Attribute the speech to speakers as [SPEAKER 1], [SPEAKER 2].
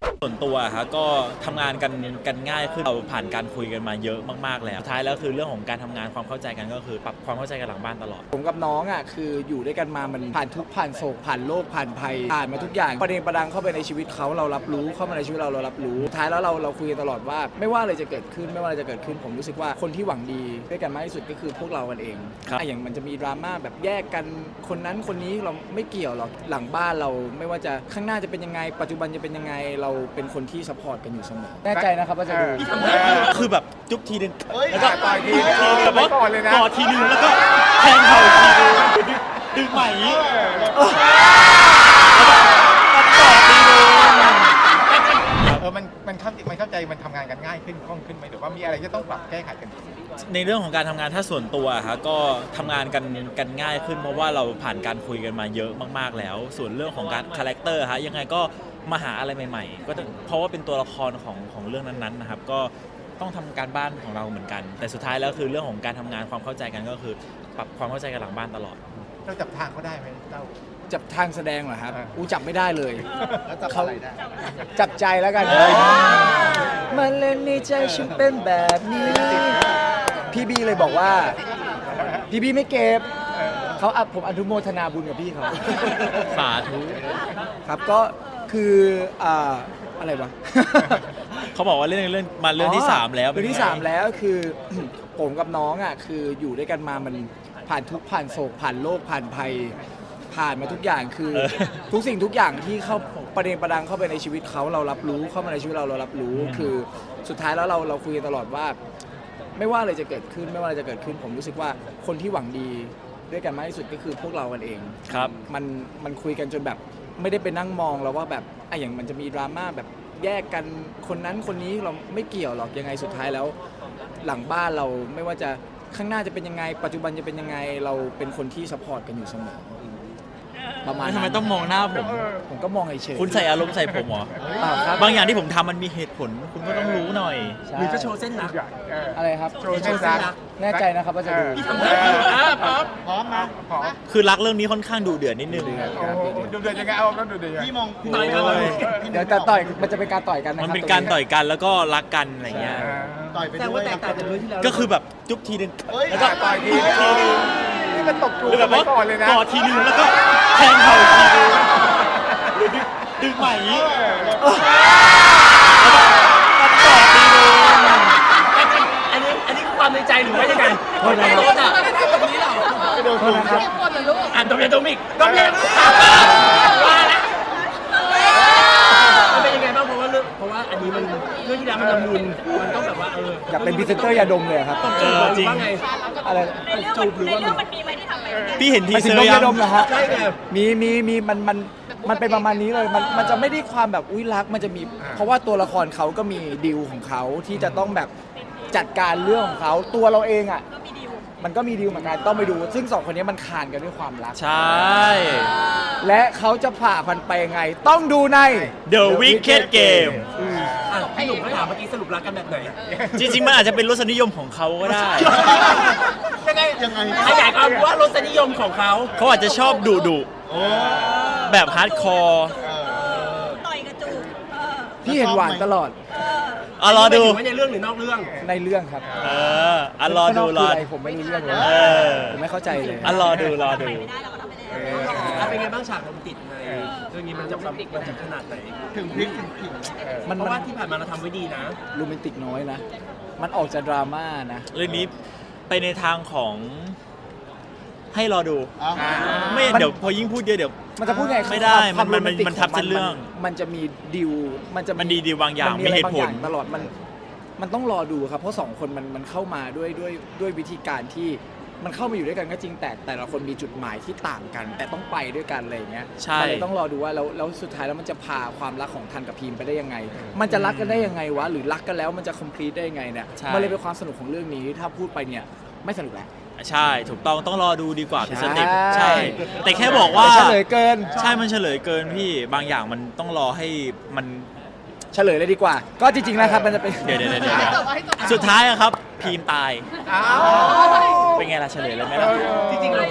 [SPEAKER 1] ส่วนตัวครับก็ทำงานกันง่ายขึ้นเราผ่านการคุยกันมาเยอะมากๆแล้วท้ายแล้วคือเรื่องของการทำงานความเข้าใจกันก็คือปรับความเข้าใจกันหลังบ้านตลอด
[SPEAKER 2] ผมกับน้องอ่ะคืออยู่ด้วยกันมามันผ่านทุกข์ผ่านโศกผ่านโลกผ่านภัยผ่านมาทุกอย่างประเด็นประดังเข้าไปในชีวิตเขาเรารับรู้เข้ามาในชีวิตเรารับรู้ท้ายแล้วเราคุยกันตลอดว่าไม่ว่าอะไรจะเกิดขึ้นไม่ว่าอะไรจะเกิดขึ้นผมรู้สึกว่าคนที่หวังดีด้วยกันมากที่สุดก็คือพวกเรากันเองอย่างมันจะมีดราม่าแบบแยกกันคนนั้นคนนี้เราไม่เกี่ยวหรอกหลังบ้านเราไม่ว่าจะข้างหน้าจะเป็นยังไงปัจจุบันจะเป็นยังไงเราเป็นคนที่ซัพพอร์ตกันอยู่เสมอแน่ใจนะครับว่าจะดู
[SPEAKER 1] คือแบบจุ๊บทีนึง
[SPEAKER 3] แล้วก็ต่อยทีนึง
[SPEAKER 1] แบบว่าก
[SPEAKER 3] อดเลยนะ
[SPEAKER 1] กอดทีนึงแล้วก็แทงเข่าอีกทีนึงดึงใหม่อย่างนี้ต่อทีนึง
[SPEAKER 3] มันเข้าใจมันทำงานกันง่ายขึ้นคล่องขึ้นไหมหรือว่ามีอะไรที่ต้องปรับแก้ไขกัน
[SPEAKER 1] ในเรื่องของการทำงานถ้าส่วนตัวครับก็ทำงานกันง่ายขึ้นเพราะว่าเราผ่านการคุยกันมาเยอะมากๆแล้ว ส่วนเรื่องของการคาแรคเตอร์ฮะยังไงก็มาหาอะไรใหม่ๆก็เพราะว่าเป็นตัวละครของเรื่องนั้นๆนะครับก็ต้องทำการบ้านของเราเหมือนกัน แต่สุดท้ายแล้วคือเรื่องของการทำงานความเข้าใจกันก็คือปรับความเข้าใจกันหลังบ้านตลอด
[SPEAKER 3] เราจับทางเขาได้ไหมเจ้า
[SPEAKER 2] จับทางแสดงเหรอครับ
[SPEAKER 3] อ่า
[SPEAKER 2] จับไม่ได้เลย
[SPEAKER 3] แล้วจับอะไรได้
[SPEAKER 2] จับใจแล้วกันมันเล่นในใจฉันเป็นแบบนี้พี่บีเลยบอกว่าพี่บีไม่เก็บเขาผมอนุโมทนาบุญกับพี่เขา
[SPEAKER 1] สาธุ
[SPEAKER 2] ครับก็คืออะไรวะ
[SPEAKER 1] เขาบอกว่าเรื่องมาเรื่องที่ 3 แล้ว
[SPEAKER 2] เรื่องที่ 3 แล้วคือ ผมกับน้องอ่ะคืออยู่ด้วยกันมามันผ่านทุกข์ผ่านโศกผ่านโลกผ่านภัยผ่านมาทุกอย่างคือทุกสิ่งทุกอย่างที่เข้าประเด็นประดังเข้าไปในชีวิตเขาเรารับรู้เข้ามาในชีวิตเรารับรู้คือสุดท้ายแล้วเราคุยกันตลอดว่าไม่ว่าอะไรจะเกิดขึ้นไม่ว่าอะไรจะเกิดขึ้นผมรู้สึกว่าคนที่หวังดีด้วยกันมากที่สุดก็คือพวกเรากันเอง
[SPEAKER 1] ครับ
[SPEAKER 2] มันคุยกันจนแบบไม่ได้ไปนั่งมองแล้วว่าแบบอย่างมันจะมีดราม่าแบบแยกกันคนนั้นคนนี้เราไม่เกี่ยวหรอกยังไงสุดท้ายแล้ว หลังบ้านเราไม่ว่าจะข้างหน้าจะเป็นยังไงปัจจุบันจะเป็นยังไงเราเป็นคนที่ซัพพอร์ตกันอยู่เสมอประมาณ
[SPEAKER 1] ทำไม
[SPEAKER 2] นั้น
[SPEAKER 1] ต้องมองหน้าผม
[SPEAKER 2] ผมก็มองเฉยๆ
[SPEAKER 1] คุณใส่อารมณ์ใส่ผมเหรอ
[SPEAKER 2] เปล่าครับ
[SPEAKER 1] บางอย่างที่ผมทำมันมีเหตุผล คุณก็ต้องรู้หน่อย
[SPEAKER 2] ใช่
[SPEAKER 4] หรือจะโชว์เส้นรัก
[SPEAKER 2] อะไรครับ
[SPEAKER 3] โชว์เส้นรัก
[SPEAKER 2] แน่ใจนะครับว่าจะดู
[SPEAKER 3] พร้อมมาพร้อม
[SPEAKER 1] คือรักเรื่องนี้ค่อนข้างดูเดือดนิดนึง
[SPEAKER 3] ดูเดือดยังไงเอาต้องดูเดือดพี่มอง
[SPEAKER 4] ต่อยกันเลย
[SPEAKER 2] เดี๋ยวแต่ต่อยมันจะเป็นการต่อยกันนะค
[SPEAKER 1] มั
[SPEAKER 2] รับ
[SPEAKER 1] นเป็นการต่อยกันแล้วก็รักกันอะไรเงี้ย
[SPEAKER 3] ต่อยไป
[SPEAKER 4] แต่
[SPEAKER 3] ด้ว
[SPEAKER 4] ว่าย แตกต่างจากเรื่องที่แล้ว
[SPEAKER 1] ก็คือแบบจุ๊บทีนึง
[SPEAKER 3] แล้วก็ต่อยทีนึงนี่มันตบจู
[SPEAKER 1] หรือแบบ
[SPEAKER 3] ไป
[SPEAKER 1] ว่า
[SPEAKER 3] ก่อนเลยนะ
[SPEAKER 1] กอดทีนึงแล้วก็แทงเข่าอีกทีนึงดึงใหม่อย่างนี้ต่อทีนึง
[SPEAKER 4] อันนี้ความในใจหรือว่ายังไง
[SPEAKER 2] โทษนะครับ
[SPEAKER 4] โทษอ่ะตรงนี้เหรอ
[SPEAKER 2] โทษนะครับ
[SPEAKER 4] อ่านตรงนี้ตรงนี้ตรงนี้ว่าแล้วมันเป็นยังไงบ้างเพราะว่าอันนี้มันเรื่องที่แล้วมันละมุนมันต้องแบบว่า
[SPEAKER 2] อยากเป็นพรีเซนเตอร์ยาดมเลยครับ
[SPEAKER 4] จูบหรือว่าไง
[SPEAKER 2] อะไร
[SPEAKER 4] จูบหรือว่า
[SPEAKER 5] มันมีไหมที่ทำไป
[SPEAKER 1] พี่เห็นที
[SPEAKER 2] ไม่
[SPEAKER 1] เซ
[SPEAKER 2] ถึ
[SPEAKER 1] อง ร์
[SPEAKER 2] นม
[SPEAKER 1] ยั
[SPEAKER 2] ยาง ดมเหรอฮะ
[SPEAKER 4] ใช่ไง
[SPEAKER 2] มีมันเป็นประมาณนี้เลยมันจะไม่ได้ความแบบอุ้ยรักมันจะมี เพราะว่าตัวละครเขาก็มีดีลของเขาที่จะต้องแบบจัดการเรื่องของเขาตัวเราเองอ่ะ
[SPEAKER 5] ก็มีดีล
[SPEAKER 2] มันก็มีดีลเหมือนกันต้องไปดู ซึ่งสองคนนี้มันคานกันด้วยความรัก
[SPEAKER 1] ใช่
[SPEAKER 2] และเขาจะผ่าพันไปยังไง ต้องดูใน
[SPEAKER 1] The Wicked Game
[SPEAKER 4] อ่ะพี่หนุ่มเขาถามเมื่อกี้สรุปรักกันแบบไหน
[SPEAKER 1] จริงๆมันอาจจะเป็นรสนิยมของเขาก็ได้
[SPEAKER 4] ยังไงขยายความว่ารสนิยมของเขา
[SPEAKER 1] เขาอาจจะชอบดุแบบฮาร์ดคอร์
[SPEAKER 5] ต่อยกระจูบ
[SPEAKER 2] พี่เห็นหวานตลอด
[SPEAKER 1] รอดู
[SPEAKER 4] หมายถึงว่าในเรื่องหรือนอกเรื่อง
[SPEAKER 2] ในเรื่องครับ
[SPEAKER 1] รอดู
[SPEAKER 2] ข้างนอกคืออะไรผมไม่รู้เรื่องเลย
[SPEAKER 1] อ
[SPEAKER 2] ผมไม่เข้าใจเลย
[SPEAKER 1] รอดู
[SPEAKER 5] ไม่ได้เราก็ทำไปแล้ว
[SPEAKER 4] แล้วเป็นไงบ้างฉากโรแมนติกในเรื่องนี้มันจะขนาดไหน
[SPEAKER 3] ถึงพริกถึงขิง
[SPEAKER 2] มัน
[SPEAKER 4] เพราะว่าที่ผ่านมาเราทำไว้ดีนะ
[SPEAKER 2] โรแมนติกน้อยนะ มันออกจะดราม่านะ
[SPEAKER 1] เรื่องนี้ไปในทางของให้รอดู ไม่
[SPEAKER 2] มัน
[SPEAKER 1] เดี๋ยวพอยิ่งพูดเยอะเดี๋ยว
[SPEAKER 2] มันจะพูดไง
[SPEAKER 1] ไม่ได้
[SPEAKER 2] ความ
[SPEAKER 1] มัน
[SPEAKER 2] โรแติก
[SPEAKER 1] มันทับ
[SPEAKER 2] ข
[SPEAKER 1] เส้นเรื่อง
[SPEAKER 2] มันจะมีดิวมันจะ
[SPEAKER 1] มันดีบางอย่าง
[SPEAKER 2] น
[SPEAKER 1] มีเหตุผล
[SPEAKER 2] อะไรบางอย่างตลอดมันต้องรอดูครับเพราะสองคนมันเข้ามาด้วยวิธีการที่มันเข้ามาอยู่ด้วยกันก็จริงแต่ละคนมีจุดหมายที่ต่างกัน แต่ต้องไปด้วยกันอะไรอย่างเงี้ย
[SPEAKER 1] ใช่
[SPEAKER 2] มันเลยต้องรอดูว่าแล้วสุดท้ายแล้วมันจะพาความรักของทันกับพีมไปได้ยังไง มันจะรักกันได้ยังไงวะหรือรักกันแล้วมันจะคอมพลีทได้ยังไงเนี่ยมันเลยเป็นความสนุกของเรื่องนี้ถ้าพูดไปเนี่ยไม่สนุกแล้ว
[SPEAKER 1] ใช่ถูกต้องรอดูดีกว่าเป็นสเต็ป
[SPEAKER 2] ใช่
[SPEAKER 1] ใช่ แต่แค่บอกว่า
[SPEAKER 2] เฉลยเกิน
[SPEAKER 1] ใช่มันเฉลยเกินพี่บางอย่างมันต้องรอให้มัน
[SPEAKER 2] เฉลยเลยดีกว่า ก็จริงๆนะครับมันจะเป็น
[SPEAKER 1] เดี๋ยวสุดท้ายอะครับ พีมตาย เป็นไงล่ะเฉลยเลยไหมล่ะ
[SPEAKER 4] จริงๆเรา